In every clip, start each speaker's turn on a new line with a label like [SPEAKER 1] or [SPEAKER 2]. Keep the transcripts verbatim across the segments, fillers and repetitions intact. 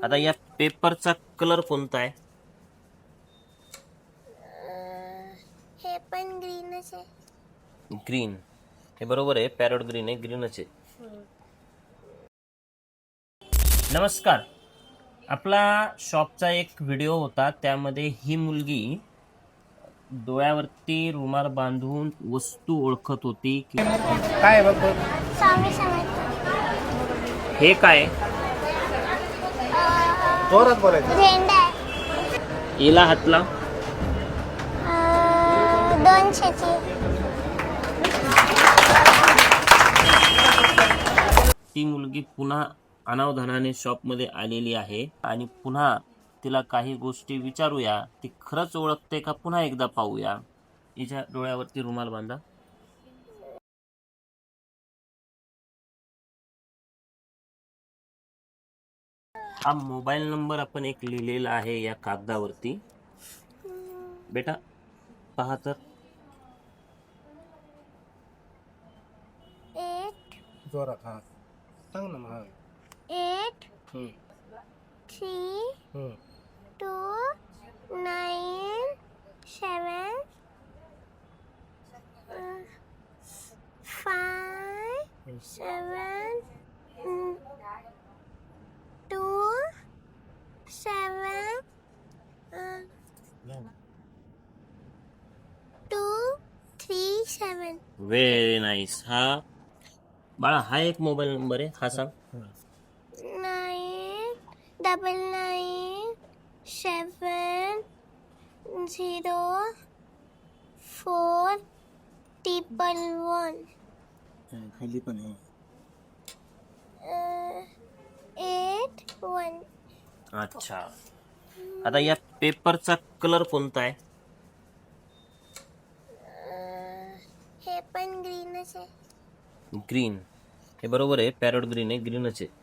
[SPEAKER 1] आता या पेपरचा कलर कोणता आहे?
[SPEAKER 2] हे पण ग्रीनच आहे.
[SPEAKER 1] ग्रीन. हे बरोबर आहे, पॅरोट ग्रीन आहे, ग्रीनच आहे. नमस्कार. आपला शॉपचा एक व्हिडिओ होता, त्यामध्ये ही मुलगी डोळ्यावरती रुमाल बांधून वस्तू ओळखत होती की
[SPEAKER 3] काय बघतो
[SPEAKER 2] स्वामी समर्थ.
[SPEAKER 1] हे काय
[SPEAKER 3] जोरात बोलायचं.
[SPEAKER 2] झेंडा आहे.
[SPEAKER 1] हिला हात लाव.
[SPEAKER 2] अं, दोनशेची.
[SPEAKER 1] ती मुलगी पुन्हा अनावधानाने शॉपमध्ये आलेली आहे आणि पुन्हा तिला काही गोष्टी विचारूया. ती खरंच ओळखते का पुन्हा एकदा पाहूया. हिच्या डोळ्यावरती रुमाल बांधा. हा मोबाईल नंबर आपण एक लिहिलेला आहे या कागदावरती. बेटा पहा तर.
[SPEAKER 2] एट
[SPEAKER 3] जोरात. हा सांग ना मग.
[SPEAKER 2] Eight
[SPEAKER 3] hmm.
[SPEAKER 2] Three
[SPEAKER 3] hmm.
[SPEAKER 2] Two nine seven five seven two seven two three seven.
[SPEAKER 1] Very nice. हा बाळा हा एक मोबाईल नंबर आहे, हा सांग.
[SPEAKER 2] Nine double nine seven zero four triple one
[SPEAKER 3] खाली पण आहे.
[SPEAKER 2] Eight one.
[SPEAKER 1] अच्छा. आता या पेपरचा कलर कोणता आहे?
[SPEAKER 2] हे पण ग्रीनच आहे.
[SPEAKER 1] ग्रीन. हे बरोबर आहे, पॅरोट ग्रीन आहे, ग्रीनच आहे.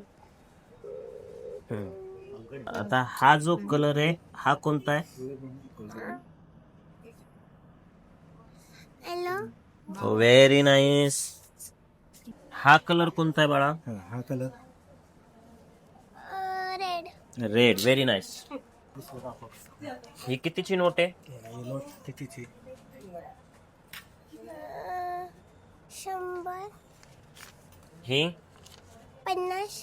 [SPEAKER 1] हम्म. आता हा जो कलर आहे हा कोणता आहे?
[SPEAKER 2] हॅलो.
[SPEAKER 1] Very nice. हा कलर कोणता आहे बाळा?
[SPEAKER 3] हा हा colour
[SPEAKER 2] red.
[SPEAKER 1] Red. Very nice. ही कितीची नोट आहे?
[SPEAKER 3] नोट कितीची?
[SPEAKER 2] शंभर.
[SPEAKER 1] ही
[SPEAKER 2] पन्नास.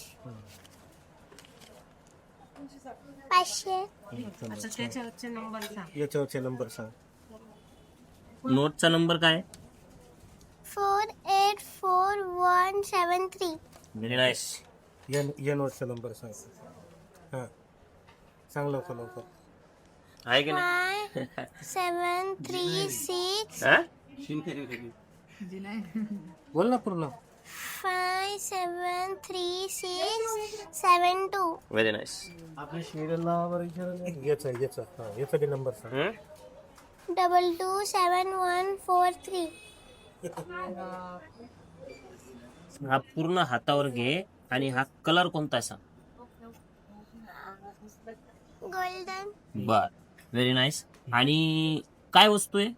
[SPEAKER 2] पाचशे.
[SPEAKER 3] याच्यावरचे नंबर सांग.
[SPEAKER 1] नोटचा नंबर काय?
[SPEAKER 2] Four eight four one seven three.
[SPEAKER 1] Very nice.
[SPEAKER 3] या या नोटचा नंबर सांग. हा सांग लवकर लवकर.
[SPEAKER 1] आहे की नाही?
[SPEAKER 2] फाय सेवन थ्री सिक्स
[SPEAKER 1] हा?
[SPEAKER 3] बोल ना पूर्ण.
[SPEAKER 2] Five seven three six seven two.
[SPEAKER 1] Very nice.
[SPEAKER 3] याचा याचा हा याचा बी नंबर सांग.
[SPEAKER 1] हम्म?
[SPEAKER 2] Double two seven one four three.
[SPEAKER 1] हा पूर्ण हातावर घे आणि हा कलर कोणता आहे सांग.
[SPEAKER 2] गोल्डन.
[SPEAKER 1] बर. Very nice. आणि काय वस्तू आहे?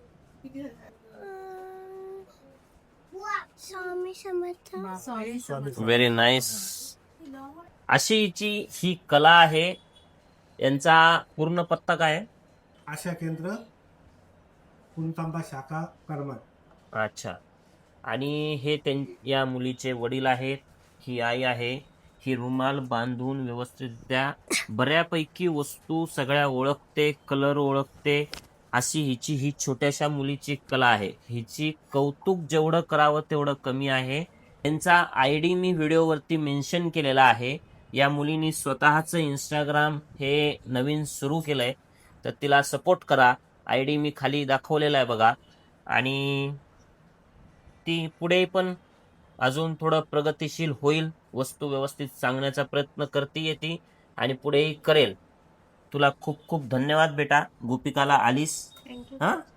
[SPEAKER 2] स्वामी समर्थ.
[SPEAKER 1] Very nice. अशी हिची ही कला आहे. यांचा पूर्ण पत्ता काय आहे?
[SPEAKER 3] आशा केंद्र पुणतांबा शाखा करमत.
[SPEAKER 1] अच्छा. आणि हे त्यां या मुलीचे वडील आहेत, ही आई आहे. ही रुमाल बांधून व्यवस्थितरित्या बऱ्यापैकी वस्तू सगळ्या ओळखते, कलर ओळखते. अशी हिची ही छोट्याशा मुलीची कला आहे. हिची कौतुक जेवढं करावं तेवढं कमी आहे. त्यांचा आय डी मी व्हिडिओवरती मेन्शन केलेला आहे. या मुलीने स्वतःचं इंस्टाग्राम हे नवीन सुरू केलं आहे, तर तिला सपोर्ट करा. आय डी मी खाली दाखवलेला आहे बघा. आणि ती पुढे पण अजून थोडं प्रगतिशील होईल. वस्तू व्यवस्थित सांगण्याचा प्रयत्न करते येते आणि पुढेही करेल. तुला खूप खूप धन्यवाद बेटा. गोपिकाला आलीस.
[SPEAKER 2] थँक्यू.
[SPEAKER 1] हां.